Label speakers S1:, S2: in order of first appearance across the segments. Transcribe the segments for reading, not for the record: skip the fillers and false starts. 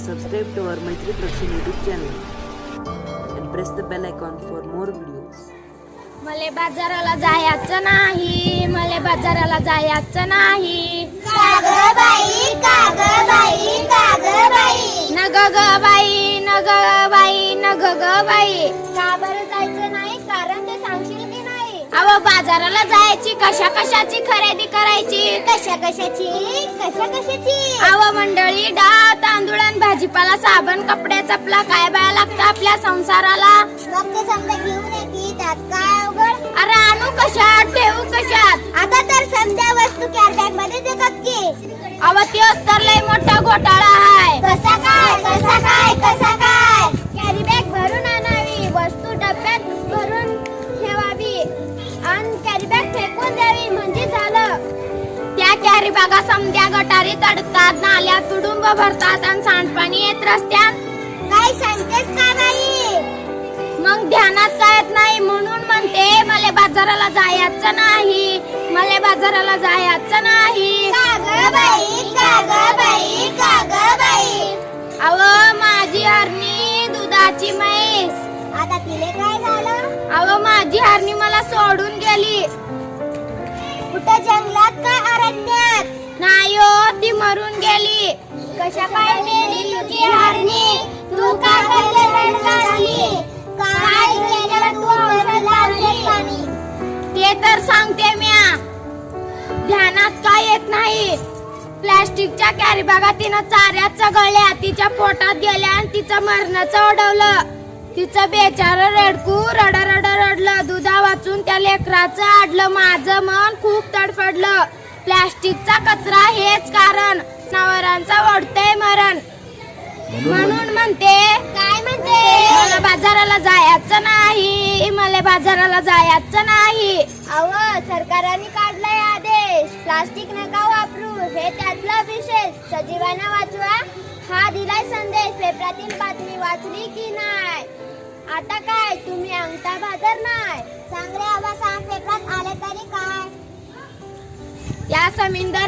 S1: subscribe to our Maitri Production YouTube channel and press the bell icon for more videos.
S2: मले बाजाराला जायचं नाही, मले बाजाराला जायचं नाही.
S3: काग बाई काग बाई काग बाई
S2: नग ग बाई नग बाई नग ग बाई.
S3: का बरं जायचं नाही? कारण ते सांगशील की नाही?
S2: अहो बाजाराला जायची, कशा कशाची खरेदी करायची?
S3: कशा कशाची
S2: अहो मंडळी, डाळ तांदूळ आणि भाजीपाला, साबण, कपडे, चपला काय बाया लागतं आपल्या संसाराला.
S3: मग ते समजा घेऊन येते, त्यात काय अवघड?
S2: अरे आणू कशात, ठेवू कशात?
S3: आता तर समजा वस्तू कॅरी बॅग मध्ये देतात की.
S2: अहो त्योच तर लय मोठा घोटाळा आहे.
S3: कसा काय कॅरी बॅग भरून आणावी, वस्तू डब्यात भरून ठेवावी आणि कॅरी बॅग फेकून द्यावी म्हणजे झालं.
S2: त्या कॅरी बॅगा समध्या गटारी तडतात, नाल्या तुडुंब भरतात आणि सांडपाणी येत रस्त्यात.
S3: काय सांगतेस का बाई?
S2: मग ध्यानात काय येत नाही म्हणून म्हणते मला बाजाराला जायचं नाही, मला बाजाराला जायचं नाही.
S3: काग बाई काग बाई काग बाई.
S2: अहो माझी हरणी दुधाची म्हैस.
S3: आता तिले काय झालं?
S2: अहो माझी हरणी मला सोडून गेली.
S3: कुठं जंगलात का अरण्यात?
S2: नाही हो, ती मरून गेली.
S3: कशा काय मेली तुझी हरणी? तू का करते रडगाणी? काय केलं तू मरण लावले पाणी?
S2: ते तर सांगते म्या, ध्यानात काय येत नाही. प्लॅस्टिकच्या कॅरी बॅगा तिनं चाऱ्यात चघळल्या, तिच्या पोटात गेल्या आणि तिचं मरणाचं ओढवलं. तिचं बेचार रडकू रडलं. दुधा वाचून त्या लेकराचं आडलं. माझं मन खूप तडफडलं. प्लॅस्टिकचा कचरा हेच कारण, नवरांचा ओढतंय मरण. म्हणून म्हणते,
S3: काय म्हणते?
S2: मला बाजाराला जायचं नाही, मला बाजाराला जायचं नाही.
S3: अव सरकारने काढलाय आदेश, प्लास्टिक नका वापरू, हे त्यातला विशेष. सजीवांना वाचवा हा दिलाय संदेश. पेपरातील बातमी वाचली की नाही? आता काय तुम्ही अंगठा भादर नाही? सांग रे आबा सांग, पेपरात आले तरी काय?
S2: त्या समुद्र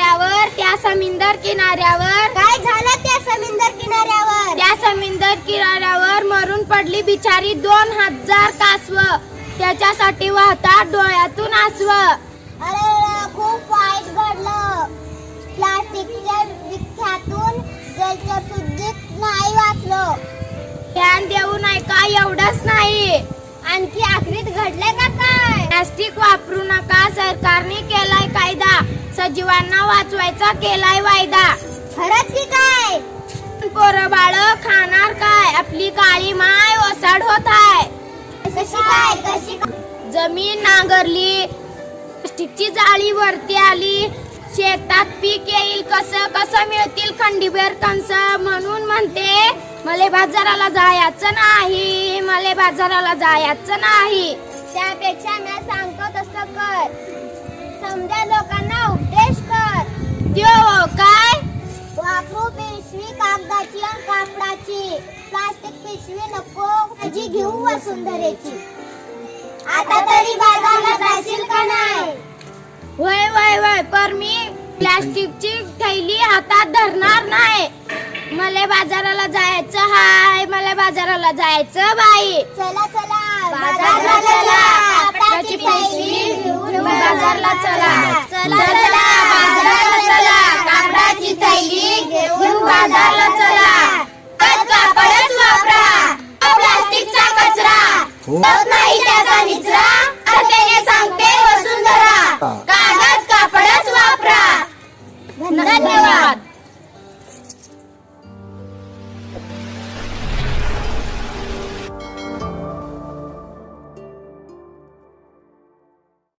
S2: किनाऱ्यावर
S3: काय झालं त्या समुद्र किनाऱ्यावर?
S2: त्या समुद्र किनाऱ्यावर मरून पडली बिचारी 2000 कासव. त्याच्यासाठी वाहतात डोळ्यातून आसव.
S3: अरे खूप वाईट घडलं. प्लास्टिकच्या विख्यातून जलचरसुद्धा नाही वाचलो.
S2: ध्यान देऊ नये का? एवढंच नाही,
S3: आणखी आखरीत घडले का काय?
S2: प्लास्टिक वापरू नका, सरकारने केलाय कायदा. सजीवांना वाचवायचा केलाय वायदा.
S3: खरंच की काय?
S2: पोरं बाळ खाणार काय? आपली काळी माय ओसाड होत आहे.
S3: कशी काय?
S2: जमीन नांगरली, प्लास्टिकची जाळी वरती आली. शेतात पीक येईल कसं मिळतील खंडीभर कंस. म्हणून म्हणते मला बाजाराला जायचं नाही, मला बाजाराला जायचं नाही.
S3: त्यापेक्षा मी सांगतो तसं कर. समजा लोकांना उपदेश कर.
S2: त्यो काय?
S3: वापरू पिशवी कागदाची आणि कापडाची, प्लास्टिक पिशवी नको माझी घेऊ वसुंधरेची. आता तरी बाजारला जाशील का नाही?
S2: वय पर मी प्लास्टिकची थैली हातात धरणार नाही. मला बाजाराला जायचं हाय, मला बाजाराला जायचं बाई.
S3: चला
S2: बाजारला चला, कापडाची पिशवी घेऊन बाजारला चला. चला बाजारला चला, कापडाची थैली घेऊन बाजारला चला. कापडच वापरा, प्लास्टिकचा कचरा होत नाही त्याचा निचरा. अर्थाने सांगते वसुंधरा.